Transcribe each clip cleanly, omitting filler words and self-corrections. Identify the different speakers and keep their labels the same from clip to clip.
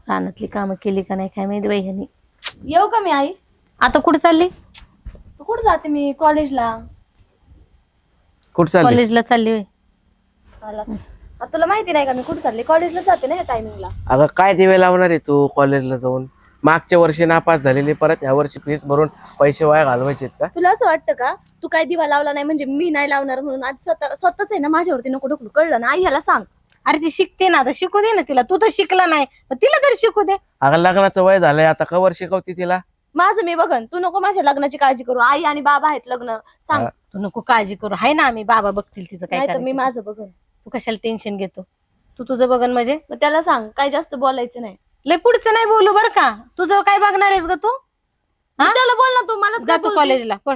Speaker 1: रानातली कामं केली का नाही काय माहिती बाई ह्यांनी.
Speaker 2: येऊ का मी आई?
Speaker 1: आता कुठे चालली?
Speaker 2: कुठं जाते मी? कॉलेजला.
Speaker 3: कुठं चालली?
Speaker 1: कॉलेजला चालली होय.
Speaker 2: आता तुला माहिती नाही का मी कुठं चालले? कॉलेजला जाते ना या टायमिंगला.
Speaker 3: अगं काय दिवे लावणार आहे तू कॉलेजला जाऊन? मागच्या वर्षी नापास झालेली, परत ह्या वर्षी फीस भरून पैसे वाया घालवायचे का?
Speaker 2: तुला असं वाटतं का तू काय दिवा लावला नाही म्हणजे मी नाही लावणार म्हणून? आज स्वतःच आहे ना माझ्यावरती नको ढकलू, कळलं ना? आई ह्याला सांग.
Speaker 1: अरे ती शिकते ना, आता शिकू दे ना तिला. तू तर शिकला नाही मग तिला तरी शिकू दे.
Speaker 3: अगं लग्नाचं वय झालंय आता, कवर शिकवती तिला?
Speaker 2: माझं मी बघन, तू नको माझ्या लग्नाची काळजी करू. आई आणि बाबा आहेत लग्न सांग.
Speaker 1: तू नको काळजी करू, हाय ना आम्ही, बाबा बघतील तिचं काय
Speaker 2: नाही तर मी
Speaker 1: करायचं.
Speaker 2: माझं बघन.
Speaker 1: तू कशाला टेन्शन घेतो? तू तुझं बघन म्हणजे
Speaker 2: मग त्याला सांग काय जास्त बोलायचं नाही.
Speaker 1: लय पुढचं नाही बोलू बर का. तुझं काय बघणार आहेस ग तू? हा?
Speaker 2: त्याला बोल ना तू. मला
Speaker 1: जा तू कॉलेजला पण.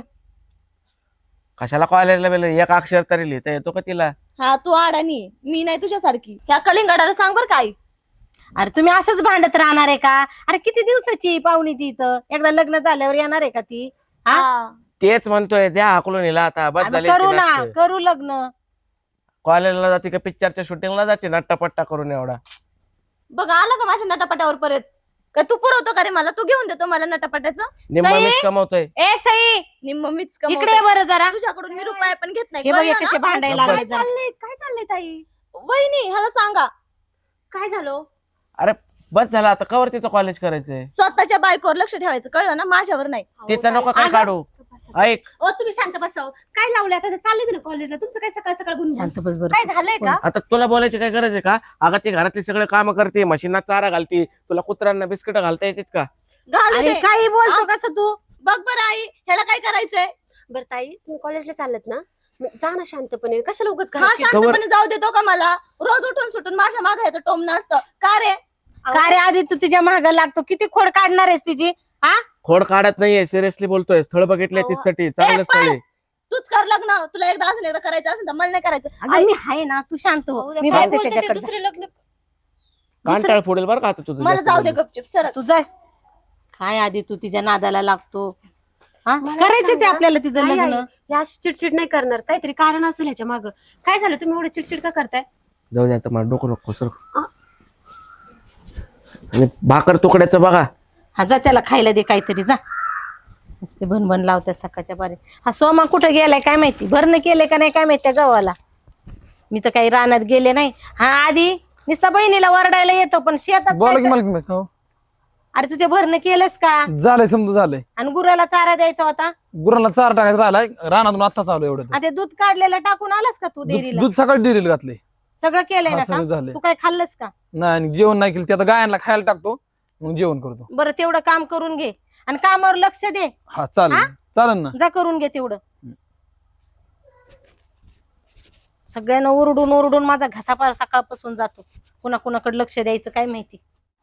Speaker 3: कशाला कॉलेजला गेलं? एक अक्षर तरी लिहिता येतो का तिला?
Speaker 2: हा तू अडाणी, मी नाही तुझ्यासारखी. ह्या कलिंगडाला सांग बर का आई.
Speaker 1: अरे तुम्ही असंच भांडत राहणार आहे का? अरे किती दिवसाची पाहुणी ती इथं, एकदा लग्न झाल्यावर येणार आहे का ती?
Speaker 2: हा
Speaker 3: तेच म्हणतोय, द्या हाकलून हिला आता. बस
Speaker 1: आम्ही
Speaker 3: झाली
Speaker 1: करू ना, करू लग्न.
Speaker 3: कॉलेजला जाते का पिक्चरच्या शूटिंगला जाते नट्टापट्टा करून एवढा?
Speaker 2: बघ आला का माझ्या नटापट्यावर परत? का तू पुरवतो का रे मला? तू घेऊन देतो मला नटापट्याचं?
Speaker 3: निम्मा
Speaker 1: सई?
Speaker 3: मीच कमवतोय.
Speaker 1: ए सई,
Speaker 2: निम्म मीच
Speaker 1: इकडे
Speaker 2: कमवते.
Speaker 1: ये बरं जरा.
Speaker 2: तुझ्याकडून मी रुपया पण घेत नाही.
Speaker 1: हे बघ हे
Speaker 2: कळलं
Speaker 1: कसे
Speaker 2: ना?
Speaker 1: भांडायला
Speaker 3: काय
Speaker 1: लागले जरा.
Speaker 2: काय चाललंय ताई? वहिनी ह्याला सांगा काय झालं.
Speaker 3: अरे बस झाला आता, कवर तिचं कॉलेज करायचंय.
Speaker 2: स्वतःच्या बायकोवर लक्ष ठेवायचं, कळलं ना? माझ्यावर नाही.
Speaker 3: तिचं नको काय काढू. ऐक,
Speaker 2: ओ तुम्ही शांत बसाव. काय लावलं आता? चालले ना कॉलेजला. तुमचं काय सकाळ सकाळ गुण
Speaker 1: शांत बस बरं.
Speaker 2: काय झालंय का?
Speaker 3: आता तुला बोलायची काय गरज आहे का? अगं ती घरातली सगळे काम करते, मशीनला चारा घालते, तुला कुत्र्यांना बिस्किट घालता येतात का?
Speaker 2: घालू
Speaker 1: अरे
Speaker 2: दे.
Speaker 1: काही बोलतो कसं तू?
Speaker 2: बघ बरं आई ह्याला काय करायचंय?
Speaker 4: बरं ताई, तुम्ही कॉलेजला चालत ना, मग जा ना शांतपणे. कशाला उगाच
Speaker 2: हा
Speaker 4: घरात
Speaker 2: शांतपणे जाऊ देतो का मला? रोज उठून सुटून माझ्या मागे ह्याचं टोमणं असतं का रे?
Speaker 1: का रे आधी तू तिच्या माग लागतो? किती खोड काढणार आहेस तिची? हा
Speaker 3: खोड काढत नाहीये, सिरियसली बोलतोय. स्थळ बघितलंय तिच्यासाठी, चांगलं
Speaker 2: ए,
Speaker 3: स्थळ आहे.
Speaker 2: तूच कर लग्न. तुला एकदा अजून एकदा करायचं असेल तर मला नाही करायचं.
Speaker 1: अगं मी आहे ना, तू शांत हो. मी
Speaker 2: काय
Speaker 1: बघते
Speaker 2: बोलते ते
Speaker 1: त्याच्याकडे.
Speaker 2: दुसरे लग्न?
Speaker 3: कांटाळ फोडेल बरं का आता तुझं.
Speaker 2: मला
Speaker 3: जास्त
Speaker 2: जाऊ दे
Speaker 3: बोलणं.
Speaker 2: गपचिप सर.
Speaker 1: तू जा. काय आधी तू तिच्या नादाला लागतो? हा करायचंच आहे आपल्याला तिचं
Speaker 4: आई,
Speaker 1: लग्न.
Speaker 4: आई, हे अशी चिडचिड नाही करणार. काहीतरी कारण असेल ह्याच्या मागं. काय झालं? तुम्ही एवढं चिडचिड का करताय?
Speaker 3: जाऊ दे आता, मला डोकं नको सर. आणि भाकर तुकड्याचं बघा.
Speaker 1: हा जा त्याला खायला दे काहीतरी, जा. नुसते भनभन लावत्या सकाळच्या बारी. हा सोमा कुठं गेलाय काय माहिती? भरणं केलंय का नाही काय माहिती त्या गव्हाला. मी तर काही रानात गेले नाही. हा आधी नुसता बहिणीला वरडायला येतो पण शेतात
Speaker 5: बोला की
Speaker 1: जायचं?
Speaker 5: मला हो.
Speaker 1: अरे तू ते भरणं केलंस का?
Speaker 5: झालंय समजा झालंय.
Speaker 1: आणि गुराला चारा द्यायचा होता.
Speaker 5: गुरांना चारा टाकायचा राहिलाय, रानातून आता चालू एवढं.
Speaker 1: आणि ते दूध काढलेलं टाकून आलास का तू डेअरीला?
Speaker 5: दूध सकाळी डेअरीला घातले.
Speaker 1: सगळं केलंय
Speaker 5: हा,
Speaker 1: ना
Speaker 5: सगळं
Speaker 1: काम?
Speaker 5: झालंय.
Speaker 1: तू काय खाल्लंस का?
Speaker 5: नाही आणि जेवण नाही केलं, ते आता गायांना खायला टाकतो, मग जेवण करतो.
Speaker 1: बरं तेवढं काम करून घे आणि कामावर लक्ष दे.
Speaker 5: हा चालेल, चालेल ना.
Speaker 1: जा करून घे तेवढं. सगळ्यांना ओरडून ओरडून माझा घसापार सकाळपासून जातो. कुणा कुणाकडे लक्ष द्यायचं काय माहिती.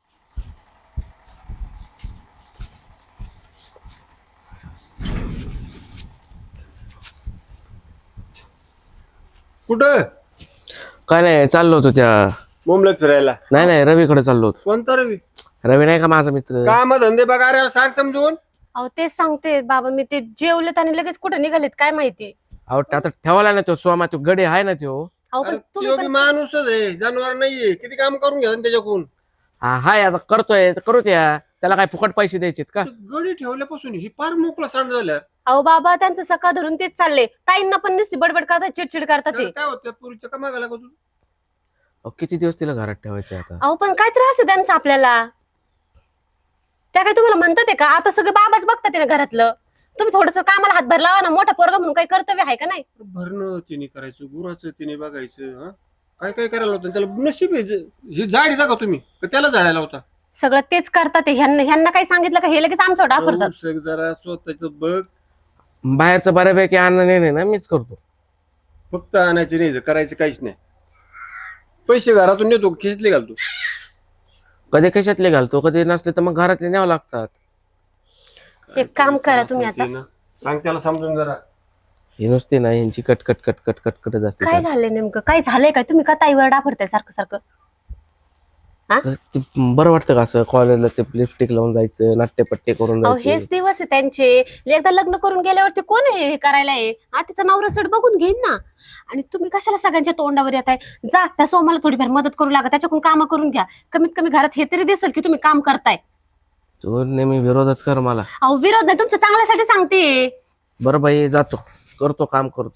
Speaker 6: कुठं?
Speaker 3: काय नाही, चाललो होतो त्या.
Speaker 6: मुंबईत फिरायला?
Speaker 3: नाही रवीकडे चाललो होतो.
Speaker 6: कोणता रवी?
Speaker 3: रवी नाही का माझा मित्र?
Speaker 6: काम धंदे बघा रे, सांग समजून.
Speaker 4: अहो तेच सांगते बाबा, मी ते जेवलेत आणि लगेच कुठे निघालेत काय माहिती.
Speaker 3: अहो आता ठेवला ना तो सोमा, तो गडी आहे ना तो.
Speaker 4: अहो
Speaker 6: अरे
Speaker 4: पण तुम्ही
Speaker 6: तो बी माणूसच आहे, जनावर नाहीये. किती काम करून घ्या त्याच्याकडून.
Speaker 3: हा हाय आता करतोय तर करूच या. त्याला काय फुकट पैसे द्यायचे का?
Speaker 6: ते गडी ठेवल्यापासून ही फार मोकळा सांड झाल्या.
Speaker 4: अहो बाबा त्यांचं सकाळ धरून तेच चालले. ताईंना पण नुसती बडबड करतात, चिडचिड करतात ते.
Speaker 6: काय होतं पुरीच्या का मागायला का तू?
Speaker 3: अहो, किती दिवस तिला घरात ठेवायचं आता?
Speaker 4: अहो पण काय त्रास आहे त्यांचा आपल्याला? त्या काय तुम्हाला म्हणतात का? आता सगळे बाबाच बघतात ना घरातलं. तुम्ही थोडस कामाला हातभार लावा ना. मोठा पोरगा म्हणून काही कर्तव्य आहे का नाही?
Speaker 6: भरणं तिने करायचं, गुराचं तिने बघायचं. हा काय काय करायला होतं त्याला? नशीब आहे. ही झाडी का तुम्ही का त्याला झाडायला होता?
Speaker 4: सगळं तेच करतात ते. ह्यांना काही सांगितलं का हे लगेच आमच्यावर डाफरतात.
Speaker 6: सग जरा स्वतःच बघ.
Speaker 3: बाहेरचं बऱ्यापैकी अन्न नाही ना मीच करतो.
Speaker 6: फक्त आणायचे नाही, करायचं काहीच नाही. पैसे घरातून नेतो, खिचले घालतो.
Speaker 3: कधी कशातले घालतो, कधी नसले तर मग घरातले न्यावं लागतात.
Speaker 4: एक काम करा तुम्ही आता.
Speaker 6: सांग त्याला समजून जरा.
Speaker 3: ही नुसती ना यांची कटकट कटकट कटकटच असते.
Speaker 4: काय झालंय नेमकं? काय झालंय काय? तुम्ही का ताईवर डाफरताय सारखं सारखं?
Speaker 3: ते बरं वाटतं का असं कॉलेजला ते लिपस्टिक लावून जायचं, नाट्यपट्टे करून
Speaker 4: अहो
Speaker 3: जायचं?
Speaker 4: हेच दिवस आहे त्यांचे. एकदा लग्न करून गेल्यावरती कोण हे करायला आहे? तिचा नवरा चढ बघून घेईन ना. आणि तुम्ही कशाला सगळ्यांच्या तोंडावर येत आहे? जा त्या सोमाला थोडीफार मदत करू लागा, त्याच्याकडून काम करून घ्या. कमीत कमी घरात हे तरी दिसेल की तुम्ही काम करताय.
Speaker 3: तू नेहमी विरोधच कर मला.
Speaker 4: अहो विरोध नाही, तुमच्या चांगल्यासाठी सांगते.
Speaker 3: बरं बाई, जातो, करतो काम करतो.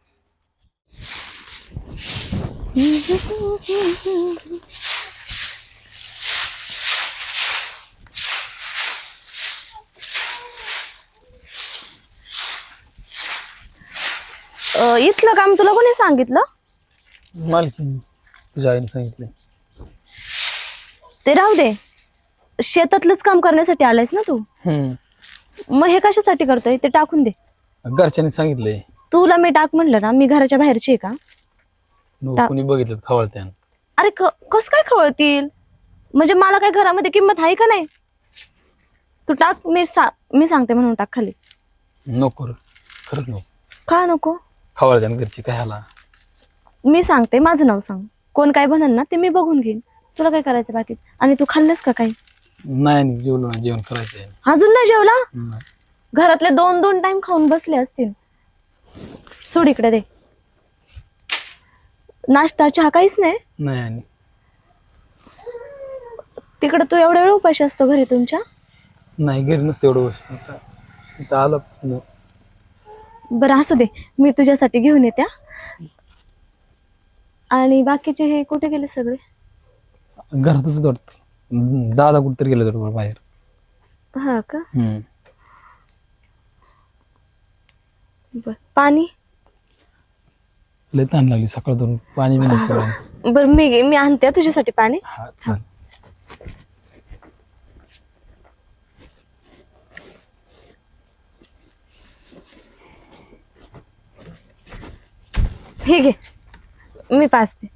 Speaker 2: इथलं काम तुला कोणी सांगितलं?
Speaker 5: मालकी तुझ्या आईने सांगितले.
Speaker 2: ते राहू दे, शेतातलंच काम करण्यासाठी आलायस ना तू? मग हे कशासाठी करतोय ते टाकून दे.
Speaker 5: घरच्यांनी सांगितलंय.
Speaker 2: तुला मी टाक म्हणलं ना, मी घराच्या बाहेरची आहे का?
Speaker 5: कोणी बघितलं खवळत्यान.
Speaker 2: अरे कस काय खवळतील? म्हणजे मला काय घरामध्ये किंमत आहे का नाही? तू टाक, मी सांगते म्हणून टाक खाली.
Speaker 5: नको रे, खरंच नको.
Speaker 2: का नको?
Speaker 5: खवळत्यान घरची काय ह्याला.
Speaker 2: मी सांगते, माझं नाव सांग. कोण काय म्हणेल ना ते मी बघून घेईन. तुला काय करायचं बाकीच? आणि तू खाल्लंस का काही?
Speaker 5: नाही जेवलो ना, जेवण करायचंय.
Speaker 2: अजून नाही जेवला?
Speaker 5: नाही.
Speaker 2: घरातले 2-2 टाइम खाऊन बसले असतील. सोड इकडे दे. नाश्ता चहा काहीच नाही?
Speaker 5: नाही आणि
Speaker 2: तिकडे तू एवढा वेळ उपाशी असतो घरी तुमच्या?
Speaker 5: नाही, घरी नसतं एवढं वर्ष. इथं आलं.
Speaker 2: बरं असू दे, मी तुझ्यासाठी घेऊन येत्या. आणि बाकीचे हे कुठे गेले सगळे?
Speaker 5: घरातच वाटत. दादा कुठतरी गेले बरोबर बाहेर.
Speaker 2: हा का? बर, पाणी?
Speaker 5: लय ताण लागली सकाळ धरून, पाणी बी नको.
Speaker 2: बर, मी आणते तुझ्यासाठी पाणी.
Speaker 5: हा चाल.
Speaker 2: हे घे, मी पाचते.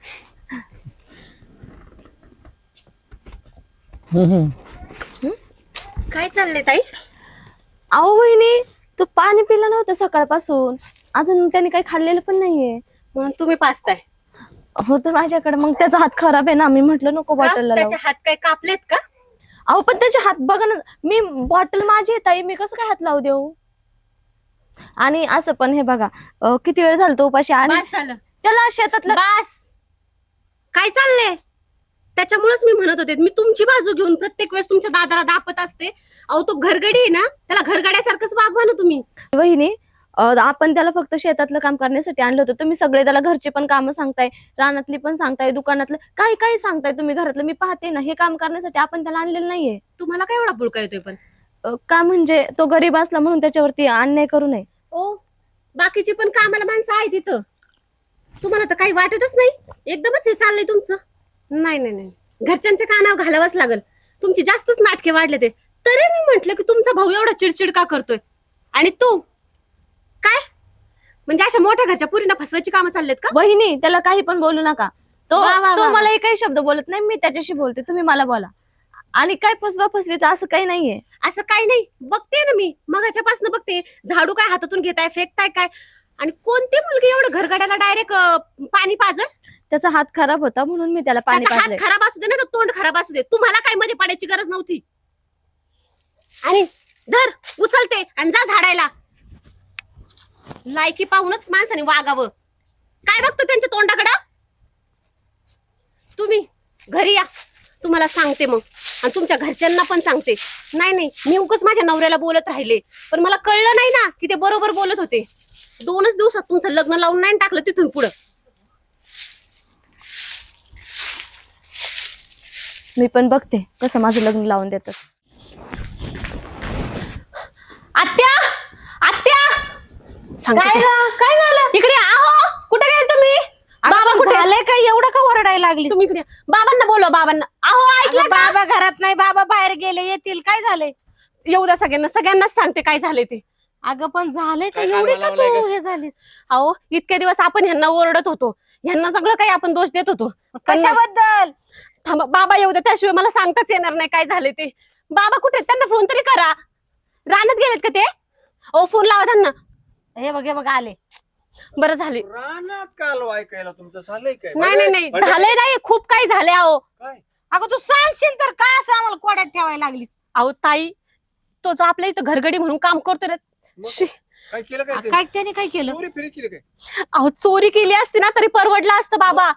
Speaker 4: काय चाललंय ताई?
Speaker 2: अहो वहिनी, तू पाणी पिलं नव्हतं सकाळपासून. अजून त्याने काही खाल्लेलं पण नाहीये.
Speaker 4: म्हणून तुम्ही पाचताय?
Speaker 2: होतं माझ्याकडे, मग त्याचा हात खराब आहे ना. मी म्हटलं नको बॉटलला लावू.
Speaker 4: त्याचे हात काय कापलेत का?
Speaker 2: अहो पण त्याचे हात बघा ना. मी बॉटल माझी आहे ताई, मी कसं काय हात लावू देऊ? आणि असं पण हे बघा, किती वेळ झाला तो उपाशी. आणि
Speaker 4: बस झालं.
Speaker 2: त्याला शेतातलं
Speaker 4: बस. काय चाललंय? त्याच्यामुळेच मी म्हणत होते, मी तुमची बाजू घेऊन प्रत्येक वेळेस तुमच्या दादाला दापत असते. अहो तो घरगडी आहे ना, त्याला घरगड्यासारखंच वागवा ना तुम्ही.
Speaker 2: वहिनी, आपण त्याला फक्त शेतातलं काम करण्यासाठी आणलं होतं. तुम्ही सगळे त्याला घरचे पण कामं सांगताय, रानातली पण सांगताय, दुकानातलं काही काही सांगताय तुम्ही. घरातलं मी पाहते ना, हे काम करण्यासाठी आपण त्याला आणलेलं नाहीये.
Speaker 4: तुम्हाला काय एवढा बुळका येतोय पण?
Speaker 2: का म्हणजे तो गरीब असला म्हणून त्याच्यावरती अन्याय करू नये.
Speaker 4: ओ, बाकीची पण कामाला माणसं आहेत तिथं. तुम्हाला तर काही वाटतच नाही. एकदमच हे चाललंय तुमचं. नाही नाही नाही, घरच्यांच्या कानावर घालावंच लागल. तुमची जास्तच नाटके वाढले ते. तरी मी म्हंटल की तुमचा भाऊ एवढा चिडचिड का करतोय? आणि तू काय म्हणजे अशा मोठ्या घरच्या पुरीना फसवायची कामं चाललेत का?
Speaker 2: वहिनी, त्याला काही पण बोलू नका. तो
Speaker 4: वा, वा,
Speaker 2: तो
Speaker 4: वा.
Speaker 2: मला काही शब्द बोलत नाही, मी त्याच्याशी बोलते. तुम्ही मला बोला. आणि काय फसवा फसवीचं असं काही नाहीये.
Speaker 4: असं काही नाही, बघते ना मी मगाच्यापासून बघते. झाडू काय हातातून घेताय, फेकताय काय? आणि कोणती मुलगी एवढं घरगड्याला डायरेक्ट पाणी पाजल?
Speaker 2: त्याचा हात खराब होता म्हणून मी त्याला पाणी
Speaker 4: त्याचा हात
Speaker 2: पाजले.
Speaker 4: खराब असू दे ना, तर तोंड खराब असू दे, तुम्हाला काय मध्ये पडायची गरज नव्हती. आणि धर, उचलते आणि जा झाडायला. लायकी पाहूनच माणसाने वागावं. काय बघतो त्यांच्या तोंडाकडं? तुम्ही घरी या, तुम्हाला सांगते मग. आणि तुमच्या घरच्यांना पण सांगते. नाही नाही, मी उगाच माझ्या नवऱ्याला बोलत राहिले, पण मला कळलं नाही ना की ते बरोबर बोलत होते. 2च दिवसात तुमचं लग्न लावून नाही टाकलं तिथून पुढं.
Speaker 2: मी पण बघते कसं माझं लग्न लावून देतात.
Speaker 4: आत्या, आत्या, काय झालं? इकडे आहो. कुठे गेले तुम्ही? बाबा कुठे?
Speaker 1: झालंय काय एवढं का ओरडायला लागली?
Speaker 4: तुम्ही इकडे या. बाबांना बोलवा, बाबांना. आहो ऐकलं
Speaker 1: अगं,
Speaker 4: का?
Speaker 1: बाबा घरात नाही, बाबा बाहेर गेले, येतील. काय झालंय?
Speaker 4: येऊ द्या सगळ्यांना, सगळ्यांनाच सांगते काय झाले ते.
Speaker 1: अगं पण झालंय का?
Speaker 3: काय
Speaker 1: एवढी
Speaker 3: कामाला
Speaker 1: का
Speaker 3: लावलंय
Speaker 1: तू
Speaker 3: का?
Speaker 1: हे झालीस?
Speaker 4: अहो इतके दिवस आपण ह्यांना ओरडत होतो, ह्यांना सगळं काही आपण दोष देत होतो.
Speaker 1: कशाबद्दल?
Speaker 4: थांबा, बाबा येऊ द्या, त्याशिवाय मला सांगताच येणार नाही काय झाले ते. बाबा कुठे? त्यांना फोन तरी करा. रानात गेलेत का ते? ओ फोन लावा त्यांना.
Speaker 1: हे बघ आले.
Speaker 4: बरं झाले.
Speaker 6: रानात काल ऐकायला तुमचं झालंय काय?
Speaker 4: नाही नाही नाही, झालंय नाही, खूप काही झाले. अहो
Speaker 6: काय?
Speaker 1: अगं तू सांगशील तर काय असं आम्हाला कोड्यात ठेवायला लागलीस?
Speaker 4: अहो ताई, तो जो आपल्या इथं घरगडी म्हणून काम करतो ना, शी,
Speaker 6: काय केलं काय ते?
Speaker 1: काय त्याने काय केलं?
Speaker 6: चोरी फिरी केली काय?
Speaker 4: अहो चोरी केली असती ना तरी परवडलं असतं बाबा.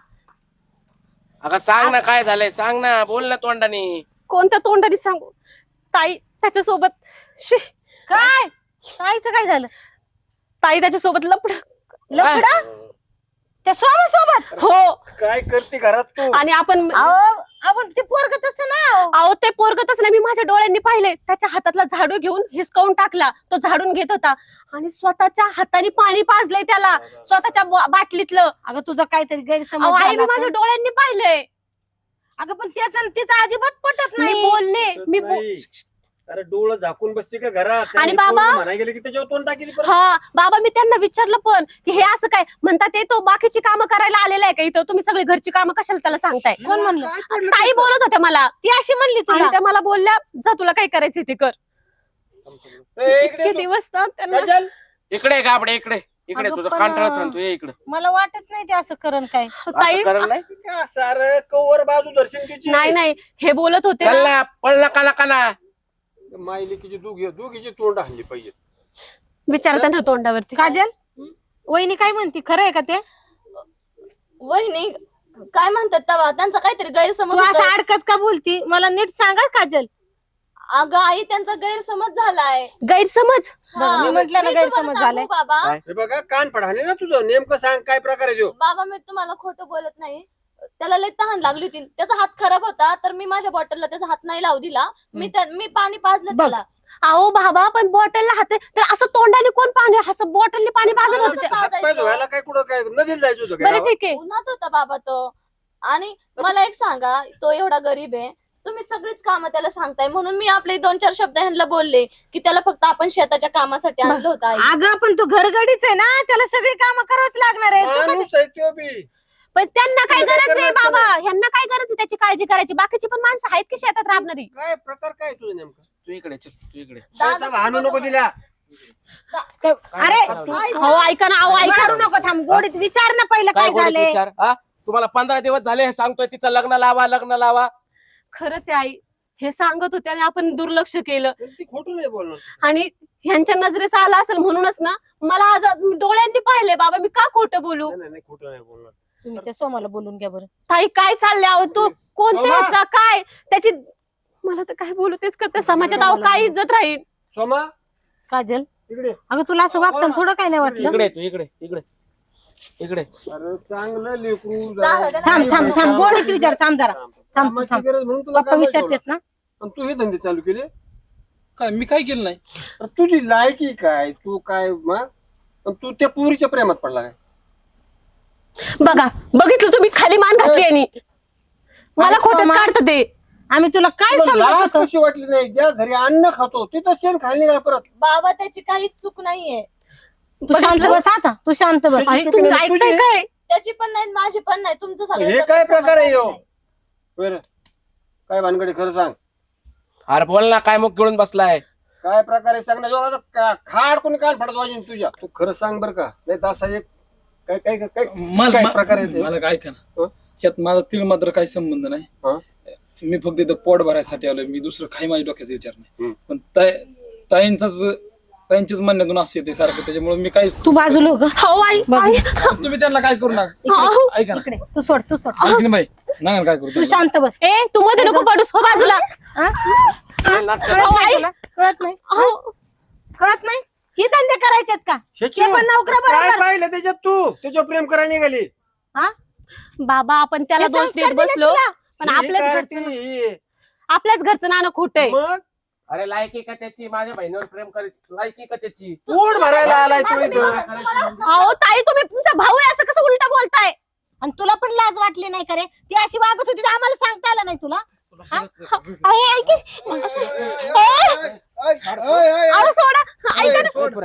Speaker 3: अगं सांग ना काय झालंय, सांग ना, बोल ना तोंडाने.
Speaker 4: कोणत्या तोंडाने सांगू ताई? त्याच्यासोबत शी,
Speaker 1: काय ताईचं काय झालं?
Speaker 4: ताई त्याच्यासोबत लपड.
Speaker 1: लफडा त्या सोमासोबत?
Speaker 4: हो,
Speaker 6: काय करते घरात तू?
Speaker 4: आणि आपण
Speaker 1: आपण ते पोरग तसं ना.
Speaker 4: अहो ते पोरगतच नाही, मी माझ्या डोळ्यांनी पाहिले. त्याच्या हातातला झाडू घेऊन हिसकावून टाकला. तो झाडून घेत होता आणि स्वतःच्या हाताने पाणी पाजलंय त्याला, स्वतःच्या बाटलीतलं.
Speaker 1: अगं तुझा काहीतरी
Speaker 4: अहो
Speaker 1: गैरसमज
Speaker 4: आई,
Speaker 1: झाला
Speaker 4: मी माझ्या
Speaker 1: असेल.
Speaker 4: डोळ्यांनी पाहिलंय.
Speaker 1: अगं पण त्याचा तिचा अजिबात पटत
Speaker 4: मी
Speaker 1: नाही.
Speaker 4: बोलले, मी
Speaker 6: नाही. अरे डोळं झाकून बसते का घरात?
Speaker 4: आणि बाबा?
Speaker 6: म्हणाय गेले की त्याच्यावर तोंड टाकीली परत.
Speaker 4: हा बाबा, मी त्यांना विचारलं पण की हे असं काय म्हणतात, ते तो बाकीची कामं करायला आलेला आहे का इथं? तुम्ही सगळी घरची कामं कशाला त्याला सांगताय?
Speaker 1: कोण म्हणलं?
Speaker 6: काय पडलं
Speaker 4: ताई
Speaker 6: त्याचं?
Speaker 4: बोलत होत्या मला,
Speaker 1: ती अशी म्हणली
Speaker 4: आणि
Speaker 1: तुला?
Speaker 4: त्या मला बोलल्या, जा तुला काय करायचं ते कर.
Speaker 6: ए, इकडे
Speaker 4: इतके
Speaker 6: तू.
Speaker 4: दिवस ना त्यांना.
Speaker 6: काजल,
Speaker 3: इकडे गाबडे, इकडे इकडे,
Speaker 1: अगं
Speaker 3: तुझं
Speaker 1: पण,
Speaker 3: कांटाळच सांगतो, ये इकडे.
Speaker 1: मला वाटत नाही ते असं करण काय.
Speaker 4: ताई
Speaker 3: असं करत नाही.
Speaker 6: काय सारं कवर बाजू दर्शन तिची.
Speaker 4: नाही नाही, हे बोलत होते
Speaker 3: चल
Speaker 4: ना.
Speaker 3: ना, पळ नका नका ना.
Speaker 6: मायलिकीची दोघीची तोंड हल्ली पाहिजे.
Speaker 4: विचार त्यांना तोंडावरती.
Speaker 1: काजल वहिनी काय म्हणती, खरं आहे का ते?
Speaker 2: वहिनी काय म्हणतात तेव्हा त्यांचा काहीतरी गैरसमज
Speaker 1: तू असं
Speaker 2: होतोय.
Speaker 1: अडकत का बोलती? मला नीट सांगा काजल.
Speaker 2: अगं आई, त्यांचा गैरसमज झालाय.
Speaker 4: गैरसमज?
Speaker 2: हा,
Speaker 1: मी म्हटलं ना
Speaker 2: मी तुम्हाला
Speaker 1: गैरसमज
Speaker 2: सांगू
Speaker 1: झालाय.
Speaker 2: बाबा.
Speaker 3: काय?
Speaker 6: हे बघा कान फडाने ना तुझं, नेमकं सांग काय प्रकार आहे तो.
Speaker 2: बाबा मी तुम्हाला खोटं बोलत नाही. त्याला लय तहान लागली होती. त्याचा हात खराब होता तर मी माझ्या बॉटलला त्याचा हात नाही लावू दिला. मी पाणी पाजलं
Speaker 1: बघ.
Speaker 2: त्याला.
Speaker 4: अहो बाबा, पण बॉटलला हात तर असं तोंडाने कोण पाणी, असं बॉटलने पाणी पाजत होते.
Speaker 2: असं
Speaker 6: हात पाय धुवायला काय कुठं काय नदीला जायचं होतं
Speaker 4: बरं
Speaker 6: काय?
Speaker 4: ठीक आहे.
Speaker 2: उन्हात होता बाबा तो. आणि मला एक सांगा, तो एवढा गरीब आहे, तुम्ही सगळीच कामं त्याला सांगताय म्हणून मी आपले 2-4 शब्द ह्यांना बोलले की त्याला फक्त आपण शेताच्या कामासाठी आणलं होतं आई.
Speaker 1: अगं पण तू घरगडीच आहे ना, त्याला सगळी कामं करावंच लागणार आहे. तू काय-
Speaker 6: माणूस आहे तो बी.
Speaker 4: पण त्यांना काय
Speaker 6: तुला काय
Speaker 4: गरज आहे
Speaker 6: करणार
Speaker 4: बाबा? ह्यांना काय गरज आहे त्याची काळजी करायची? बाकीची पण माणसं आहेत की शेतात राबणारी.
Speaker 6: काय प्रकार काय तुझं नेमकं?
Speaker 3: तू इकडे चल, तू इकडे.
Speaker 2: दादा,
Speaker 6: भानू नको दिला.
Speaker 1: अरे
Speaker 4: अहो ऐका ना, अहो ऐका.
Speaker 1: करू नको, थांब गोडीत विचार ना पहिलं
Speaker 3: काय
Speaker 1: काय
Speaker 3: बोलत
Speaker 1: झालंय.
Speaker 3: विचार? हा, तुम्हाला 15 दिवस झाले हे सांगतोय, तिचं लग्न लावा, लग्न लावा.
Speaker 4: खरंच आहे आई, हे सांगत होते आणि आपण दुर्लक्ष केलं.
Speaker 6: पण ती खोटं नाही बोलणार.
Speaker 4: आणि ह्यांच्या नजरेचा आला असेल म्हणूनच ना मला आज डोळ्यांनी पाहिले बाबा, मी का खोटं बोलू?
Speaker 6: नाही, नाही खोटं नाही बोलणार.
Speaker 1: तुम्ही त्या सोमाला बोलून घ्या बरं.
Speaker 4: ताई काय चाललंय? अहो तो कोणत्या
Speaker 6: सोमा!
Speaker 4: ह्याचा काय त्याची, मला तर काय बोलू तेच करते. समाजात अहो काय इज्जत राहील?
Speaker 6: सोमा
Speaker 1: काजल
Speaker 6: इकडे.
Speaker 1: अगं तुला असं वागताना थोडं काय नाही वाटलं?
Speaker 3: इकडे तू, इकडे इकडे इकडे.
Speaker 6: अरे चांगलं लेकरू
Speaker 2: दादा,
Speaker 6: जरा.
Speaker 1: थांब थांब गोडीत विचार, थांब जरा थांब
Speaker 6: कामाची
Speaker 1: थांब.
Speaker 6: गरज म्हणून तुला
Speaker 1: पप्पा
Speaker 6: कामाला
Speaker 1: विचारतात ना.
Speaker 6: ठेवलं. आणि तू हे धंदे चालू केले.
Speaker 5: काय मी काय केलं नाही.
Speaker 6: अरे तुझी लायकी काय? तू काय आणि तू त्या पुरीच्या प्रेमात पडला काय?
Speaker 4: बघा, बघितलं तुम्ही, खाली मान घातली आणि मला
Speaker 1: अरे
Speaker 4: खोटं
Speaker 1: सोमा.
Speaker 4: काढत ते.
Speaker 1: आम्ही तुला काय
Speaker 6: तुला
Speaker 1: समजत
Speaker 6: लाज
Speaker 1: होतो?
Speaker 6: कशी वाटली नाही? ज्या घरी अन्न खातो तिथं शेण खाल्ली नाही परत.
Speaker 2: बाबा त्याची काहीच चूक नाहीये.
Speaker 1: तू शांत बस आता, तू शांत बस.
Speaker 6: आई,
Speaker 4: आई, तुम्ही
Speaker 6: तुझी-
Speaker 4: ऐकताय काय?
Speaker 2: त्याची पण नाही, माझी पण नाही. तुमचं सगळं
Speaker 6: हे काय प्रकार आहे ह्यो? बरं काय भानगडी खरं सांग.
Speaker 3: अरे बोल ना, काय मुख गिळून बसलाय?
Speaker 6: काय प्रकार आहे सांग ना. जो आता खाड कोणी कान फाडत वाजून तुझ्या. तू खरं सांग बरं का? नाही तर असा एक काय काय काय काय प्रकार आहे ते?
Speaker 5: मला काय का ना,
Speaker 6: हं?
Speaker 5: यात माझा तिळ मात्र काही संबंध नाही.
Speaker 6: हं?
Speaker 5: मी फक्त इथं पोट भरायसाठी आलोय. मी दुसरं काही माझ्या डोक्याचा विचार नाही.
Speaker 6: हं.
Speaker 5: पण ताईंच्याच म्हणण्यातून असं येते सारखं, त्याच्यामुळे मी काय
Speaker 1: तू बाजूला हो ग.
Speaker 4: हो आई, आई.
Speaker 5: तुम्ही त्यांना काय करू नका.
Speaker 4: अहो,
Speaker 5: ऐका ना,
Speaker 1: इकडे तू सोड, तू सोड.
Speaker 5: ऐक ना बाई, नका काय करू
Speaker 1: तू
Speaker 5: तुम्ही.
Speaker 1: शांत बस.
Speaker 4: ए तू मध्ये नको पडूस, हो बाजूला.
Speaker 1: हा?
Speaker 3: नाटकं
Speaker 1: कळत
Speaker 4: अहो,
Speaker 1: नाही
Speaker 4: आई.
Speaker 1: तुला? कळत नाही?
Speaker 4: अहो,
Speaker 1: कळत नाही? ही धंदे करायचेत का?
Speaker 6: शेचू,
Speaker 1: ते पण नोकरं
Speaker 6: काय
Speaker 1: बरोबर.
Speaker 6: पाहिलं त्याच्यात तू? त्याच्यावर प्रेम करायला निघाली.
Speaker 1: हा?
Speaker 4: बाबा आपण त्याला
Speaker 1: हे
Speaker 4: दोष
Speaker 1: संस्कार
Speaker 4: देत
Speaker 1: दिले
Speaker 4: बसलो,
Speaker 1: तुला?
Speaker 4: पण
Speaker 6: ही
Speaker 4: आपल्याच
Speaker 6: काय
Speaker 4: घरचं
Speaker 6: ती?
Speaker 4: आपल्याच घरचं नाणं खोट आहे.
Speaker 6: मग
Speaker 3: अरे लायकी का त्याची? माझ्या बहिणीवर प्रेम करीत, लायकी का त्याची?
Speaker 6: पोट भरायला आलाय तू इथं.
Speaker 4: अहो ताई, तुम्ही तुमचा भाऊ आहे असं कसं उलटा बोलताय?
Speaker 1: आणि तुला पण लाज वाटली नाही का रे? ती अशी वागत होती तर आम्हाला सांगता आलं नाही तुला?
Speaker 4: अहो ऐक की. अहो सोडा, ऐका ना.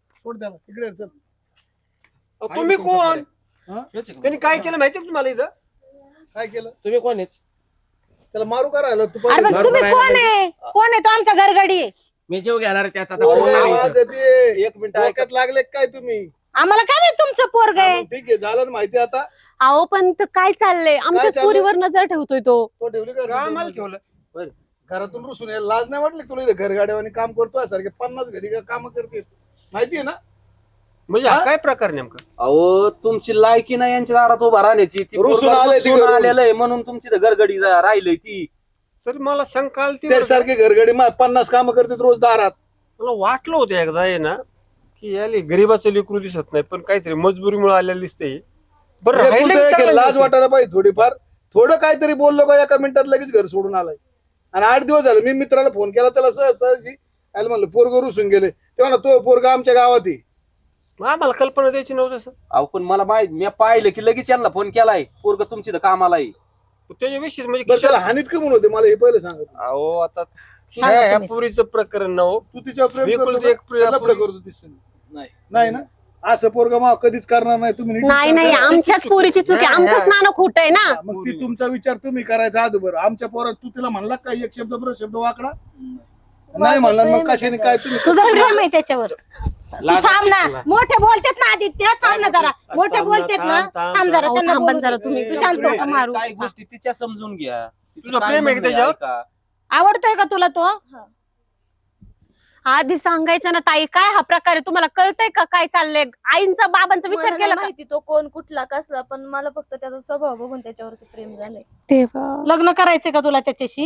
Speaker 6: तुम्ही कोण? त्यांनी काय केलं माहितीये का तुम्हाला इथं?
Speaker 7: काय केलं
Speaker 3: तुम्ही कोण आहेत?
Speaker 7: त्याला मारू का राहिलं तू
Speaker 1: अरे पण तुम्ही कोण आहे? कोण आहे? तो आमचा घरगडी आहे.
Speaker 3: मी जीव घेणार आहे त्याचा. आता
Speaker 7: ओरडे
Speaker 3: कोण आहे
Speaker 7: आवाज
Speaker 3: इथं?
Speaker 7: येते.
Speaker 6: एक मिनिट ऐका.
Speaker 7: डोक्यात लागले काय तुम्ही?
Speaker 1: आम्हाला काय माहित तुमचं पोरग आहे.
Speaker 7: ठीक आहे झालं ना माहिती आता.
Speaker 4: अहो पण काय चाललंय आमच्याच
Speaker 7: चाललंय?
Speaker 4: पोरीवर नजर ठेवतोय तो.
Speaker 7: तो ठेवली
Speaker 6: का
Speaker 7: का
Speaker 6: आम्हाला ठेवलं?
Speaker 7: घरातून रुसून यायला लाज नाही वाटली तुला? इथं घरगाड्यावानी काम करतोय सारखे 50 घरी काम करते माहितीये ना.
Speaker 6: म्हणजे हा काय प्रकार नेमका?
Speaker 8: अहो तुमची लायकी नाही यांच्या दारात उभा राहण्याची. ती
Speaker 7: रुसून
Speaker 8: पोरगं
Speaker 7: आलंय ती
Speaker 8: रुसून
Speaker 7: घरून.
Speaker 8: आलेलं आहे म्हणून तुमची घरगडी राहिलंय ती.
Speaker 6: तर मला शंका आलती
Speaker 7: ते
Speaker 6: बरं का.
Speaker 7: सारखे घरगडी 50 काम करते रोज दारात.
Speaker 6: मला वाटलं होतं एकदा आहे ना की याले गरीबाचं लेकरू दिसत नाही पण काहीतरी मजबुरीमुळे आलेलं दिसते. बरं राहिलं
Speaker 7: एकुलतं
Speaker 6: की
Speaker 7: एक आहे,
Speaker 6: चांगलं
Speaker 7: लाज
Speaker 6: दिसतंय.
Speaker 7: वाटायला पाहिजे थोडीफार. थोडं काहीतरी बोललो का एका मिनिटात लगेच घर सोडून आलाय. आणि 8 दिवस झाले मी मित्राला फोन केला त्याला सहजी आयला म्हणलं पोरग रुसून गेले. तेव्हा ना तो पोरग आमच्या गावात आहे.
Speaker 6: मग आम्हाला कल्पना द्यायची नव्हतं सर.
Speaker 8: अहो पण मला माहित मी पाहिलं की लगेच यांना फोन केलाय पोरग तुमची कामाला आहे.
Speaker 6: त्याच्याविषयी म्हणजे
Speaker 7: बस त्याला हानीत का म्हणून होते मला हे पहिले सांगत.
Speaker 6: अहो आता
Speaker 1: सांगा
Speaker 6: ह्या
Speaker 1: तुम्हीच.
Speaker 6: पुरीचं प्रकरण न हो.
Speaker 7: तू तिच्या प्रेम
Speaker 6: बिलकुल
Speaker 7: करतो
Speaker 6: ते एक
Speaker 7: का?
Speaker 6: प्रिया
Speaker 7: लफडं
Speaker 6: पोरी.
Speaker 7: करतो तीच
Speaker 8: नाही
Speaker 7: नाही ना. असं पोरग मग कधीच करणार नाही. तुम्ही नीट
Speaker 4: नाही
Speaker 7: विचार
Speaker 4: नाही
Speaker 7: करा.
Speaker 4: आमच्याच पोरीची चुकी
Speaker 6: नाही,
Speaker 4: आमचंच
Speaker 6: नाही.
Speaker 4: नाणं खोट आहे ना.
Speaker 7: मग ती तुमचा विचार तुम्ही करायचा अगोदर. आमच्या पोरात तू तिला म्हणला का एक शब्द बरोबर शब्द वाकडा नाही म्हणला मग कशाने काय तुम्ही
Speaker 1: तुझं प्रेम आहे त्याच्यावर. तू थांब ना. मोठे बोलतेत ना आदित्य, थांब ना जरा. मोठे
Speaker 6: थांब ना,
Speaker 1: बोलतेत ना.
Speaker 6: थांब,
Speaker 1: थांब जरा
Speaker 4: अहो,
Speaker 1: त्यांना
Speaker 4: थांबा
Speaker 1: बोलू
Speaker 4: जरा
Speaker 1: दे.
Speaker 4: तुम्ही.
Speaker 1: तू शांत हो.
Speaker 4: नका मारू.
Speaker 8: काही गोष्टी तिच्या समजून घ्या. तिचं
Speaker 6: तुझं
Speaker 8: काय
Speaker 6: प्रेम आहे का
Speaker 8: म्हणणं
Speaker 6: त्याच्यावर?
Speaker 8: ऐका.
Speaker 1: आवडतोय का तुला तो?
Speaker 4: आधी सांगायचं ना ताई काय हा प्रकार आहे तुम्हाला कळतंय का काय चाललंय? आईंचा बाबांचा विचार
Speaker 2: मला
Speaker 4: केला
Speaker 2: नाही
Speaker 4: का?
Speaker 2: माहिती तो कोण कुठला कसला, पण मला फक्त त्याचा स्वभाव बघून त्याच्यावरती प्रेम झालंय.
Speaker 1: लग्न करायचंय का तुला त्याच्याशी?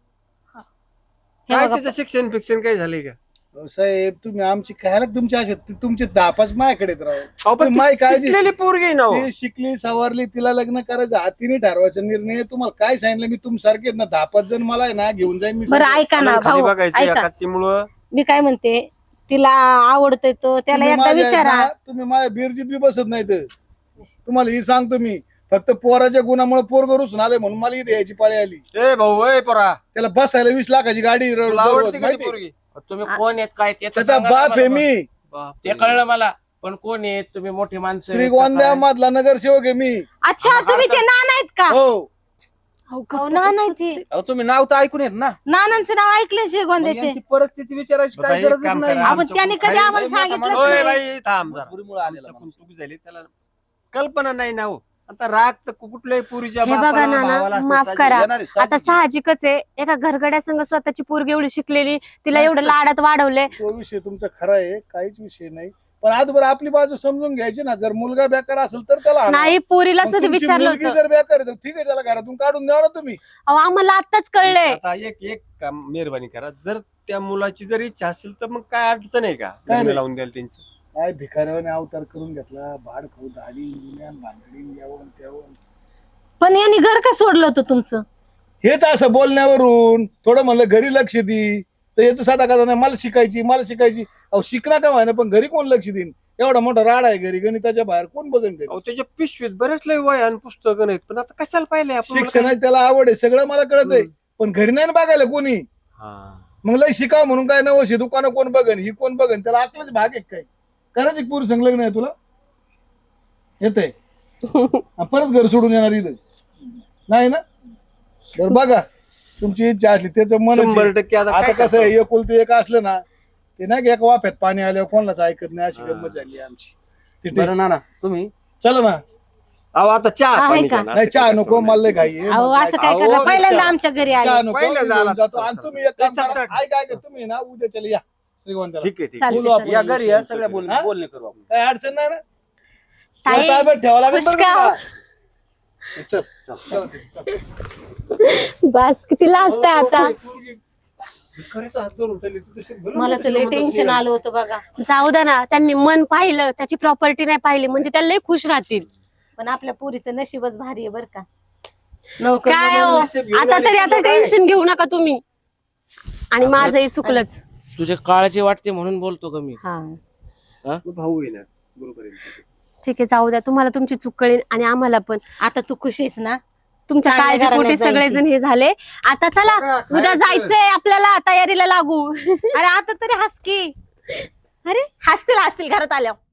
Speaker 1: हे
Speaker 6: काय
Speaker 1: बघा,
Speaker 6: त्याचं शिक्षण फिक्षण काय झालंय का?
Speaker 7: साहेब तुम्ही आमची कायला तुमच्या असे तुमचे 10-5 माझ्याकडेच राहू.
Speaker 6: अहो, पण
Speaker 7: तुम्ही माय
Speaker 6: ती
Speaker 7: काळजी
Speaker 6: शिकलेली पोरगी आहे ना हो.
Speaker 7: ती शिकली सवारली तिला लग्न करायचं हातीने ठरवायचा निर्णय. तुम्हाला काय सांगितलं मी तुम सारखे ना 10-5 जण मला आहे ना घेऊन जाईन मी
Speaker 1: बरं
Speaker 7: सगळे.
Speaker 1: ऐका ना
Speaker 6: खाली
Speaker 1: भाऊ,
Speaker 6: बघायचं
Speaker 1: ऐका.
Speaker 6: या कट्टीमुळं.
Speaker 1: मी काय म्हणते, तिला आवडतोय तो, त्याला
Speaker 7: तुम्ही
Speaker 1: एकदा
Speaker 7: माझ्या
Speaker 1: विचारा.
Speaker 7: ना, तुम्ही माझ्या बिरजीत बी बसत नाही तर तुम्हाला ही सांगतो मी. फक्त पोराच्या गुणामुळे पोर रुसून आले म्हणून मला इथे यायची पाळी आली.
Speaker 6: ए भाऊ ए पोरा,
Speaker 7: त्याला बसायला 20 लाखाची गाडी
Speaker 6: तुला
Speaker 7: दररोज
Speaker 6: आवडते का ती
Speaker 7: माहिती.
Speaker 6: पोरगी?
Speaker 3: तुम्ही कोण आहेत काय ते तर
Speaker 7: त्याचा
Speaker 3: सांगा ना
Speaker 7: बाप आहे
Speaker 3: मला.
Speaker 7: मी.
Speaker 6: बापरे.
Speaker 3: ते कळलं मला, पण कोण आहेत तुम्ही? मोठी माणसं आहेत का
Speaker 7: श्रीगोंद्या
Speaker 3: काय?
Speaker 7: मधला नगरसेवक आहे मी.
Speaker 1: अच्छा, तुम्ही ते नाना आहेत का?
Speaker 7: हो
Speaker 1: अहो, नाना आहेत ते.
Speaker 8: अहो तुम्ही नाव तर ऐकून येत ना.
Speaker 1: नानांचं नाव ऐकले
Speaker 8: मग
Speaker 1: शिगोंद्याचे.
Speaker 8: यांची परिस्थिती विचारायची
Speaker 6: बरं,
Speaker 8: काय
Speaker 6: एक
Speaker 8: गरजच
Speaker 6: काम
Speaker 8: नाही.
Speaker 6: करा.
Speaker 1: आपण त्याने कधी आम्हाला
Speaker 8: लय मोठा
Speaker 1: सांगितलंच
Speaker 6: ओय
Speaker 1: नाही.
Speaker 6: बाई थांब जरा.
Speaker 8: मजबुरीमुळे आलेला
Speaker 6: आमच्याकडून
Speaker 8: माणूस.
Speaker 6: चूक झाली त्याला कल्पना नाही ना हो. आता राग तर कुठल्याही पुरीच्या
Speaker 4: हे बघा
Speaker 6: बापाला,
Speaker 4: नाना,
Speaker 6: भावाला असतो,
Speaker 4: माफ
Speaker 6: साजी-
Speaker 4: करा.
Speaker 8: येणार आहे,
Speaker 4: आता
Speaker 8: साहजिक आहे.
Speaker 4: साहजिकच आहे एका घरगड्या संघ स्वतःची पोरगी एवढी शिकलेली तिला एवढं लाडात वाढवले.
Speaker 7: तो विषय तुमचा खरा आहे काहीच विषय नाही. पण आजभर आपली बाजू समजून घ्यायची ना. जर मुलगा बेकार असेल तर त्याला आणा.
Speaker 4: नाही पोरीलाच
Speaker 7: मग
Speaker 4: होते
Speaker 7: तुमची
Speaker 4: विचारलं
Speaker 7: मुलगी
Speaker 4: होतं.
Speaker 7: जर बेकार आहे तर ठीक आहे त्याला घरातून काढून द्या ना तुम्ही.
Speaker 4: अहो आम्हाला आताच कळलंय.
Speaker 6: आता एक काम मेहरबानी करा. जर त्या मुलाची जर इच्छा असेल तर मग काय अडचण आहे का?
Speaker 7: काय
Speaker 6: लग्न
Speaker 7: नाही.
Speaker 6: लावून द्याल त्यांचं.
Speaker 7: काय भिकाऱ्याने अवतार करून घेतला. भाड खाऊ दाढी जुन्यान भांगडी यावं त्यावं.
Speaker 1: पण यांनी घर का सोडलं होतं तुमचं?
Speaker 7: हेच असं बोलण्यावरून थोडं म्हणलं घरी लक्ष दे तर याचं साधा कथा नाही. मला शिकायची. अहो शिकणार का व्हायना पण घरी कोण लक्ष देईन? एवढा मोठा राडा आहे घरी. गणिताच्या बाहेर कोण बघन घरी?
Speaker 6: अहो त्याच्या पिशवीत बरेच लय वय आणि पुस्तकं नाहीत पण आता कशाला पाहिले आपण?
Speaker 7: शिक्षणाची त्याला आवड आहे सगळं मला कळत आहे. पण घरी नाही ना बघायला कोणी.
Speaker 6: हा.
Speaker 7: मग लय शिकाव म्हणून काय नवशी दुकानं कोण बघन ही कोण बघन? त्याला आपलाच भाग आहे काय? करायचं एक पुरुष संलग्न आहे तुला येतंय परत घर सोडून येणार इथं नाही ना. बरं बघा तुमची इच्छा असली त्याचं मन
Speaker 6: 100% आता
Speaker 7: आता
Speaker 6: काय
Speaker 7: कसं आहे
Speaker 6: करतो?
Speaker 7: एकुलते एक असलं ना ते नाही का एका वाफ्यात पाणी आल्यावर कोणालाच ऐकत नाही. अशी गंमत झाली आमची. ते ठीक.
Speaker 8: बरं नाना तुम्ही
Speaker 7: चला ना.
Speaker 6: अहो आता चहा
Speaker 1: आहे
Speaker 6: पाणी
Speaker 1: का?
Speaker 6: घ्या ना.
Speaker 7: नाही
Speaker 6: असं
Speaker 7: चहा
Speaker 6: काय
Speaker 7: नको
Speaker 6: करतो
Speaker 7: मला लय
Speaker 6: नाही.
Speaker 7: घाई आहे.
Speaker 1: अहो
Speaker 7: मला
Speaker 1: असं काय
Speaker 6: अहो,
Speaker 1: करता? पहिल्यांदा
Speaker 6: चहा-
Speaker 1: आमच्या घरी
Speaker 7: चहा
Speaker 1: आले.
Speaker 7: नको
Speaker 6: पहिलं
Speaker 7: मी
Speaker 6: झाला
Speaker 7: घेऊन जातो.
Speaker 6: चल,
Speaker 7: आणि
Speaker 6: चल,
Speaker 7: तुम्ही एक काम
Speaker 6: चल,
Speaker 7: करा.
Speaker 6: चल.
Speaker 7: ऐका तुम्ही ना उद्या चला या श्रीगोंद्याला.
Speaker 6: ठीक आहे ठीक आहे.
Speaker 1: चालेल.
Speaker 7: बोलू आपण.
Speaker 8: या घरी या सगळ्या
Speaker 7: हा?
Speaker 8: बोलणे करू आपण.
Speaker 7: काय अडचण नाही ना.
Speaker 4: ताई,
Speaker 7: तुला ताब्यात ठेवावं लागेल
Speaker 4: खुश
Speaker 7: बरं
Speaker 4: का?
Speaker 7: का? चल
Speaker 4: बस किती लाजताय आता.
Speaker 6: खरंच हात धरून चालली तू तशी भरून
Speaker 1: मला तर लय टेन्शन आलं होतं बघा.
Speaker 4: जाऊ द्या ना त्यांनी मन पाहिलं त्याची प्रॉपर्टी नाही पाहिली म्हणजे त्या लय खुश राहतील.
Speaker 1: पण आपल्या पुरीचं नशीबच भारी आहे बरं का. नोकर
Speaker 4: काय हो
Speaker 6: नशीब घेऊन
Speaker 4: आता
Speaker 6: आली
Speaker 4: तरी
Speaker 6: तुझं
Speaker 4: आता
Speaker 6: काय?
Speaker 4: टेन्शन घेऊ नका तुम्ही. आणि माझंही चुकलंच.
Speaker 3: तुझे काळजी वाटते म्हणून बोलतो का मी?
Speaker 1: हा
Speaker 6: भाऊ आहे ना बरोबर आहे.
Speaker 4: ठीक आहे जाऊ द्या तुम्हाला तुमची चूक कळेल आणि आम्हाला पण.
Speaker 1: आता तू खुश आहेस ना?
Speaker 4: तुमच्या
Speaker 1: चांगल्या
Speaker 4: काळजीपोटी
Speaker 1: घराण्यात जाईल
Speaker 4: सगळेजण हे झाले. आता चला
Speaker 6: बघा,
Speaker 4: उद्या
Speaker 6: खायचं.
Speaker 4: जायचंय आपल्याला तयारीला लागू.
Speaker 1: अरे आता तरी हस की.
Speaker 4: अरे हसतील घरात आल्यावर.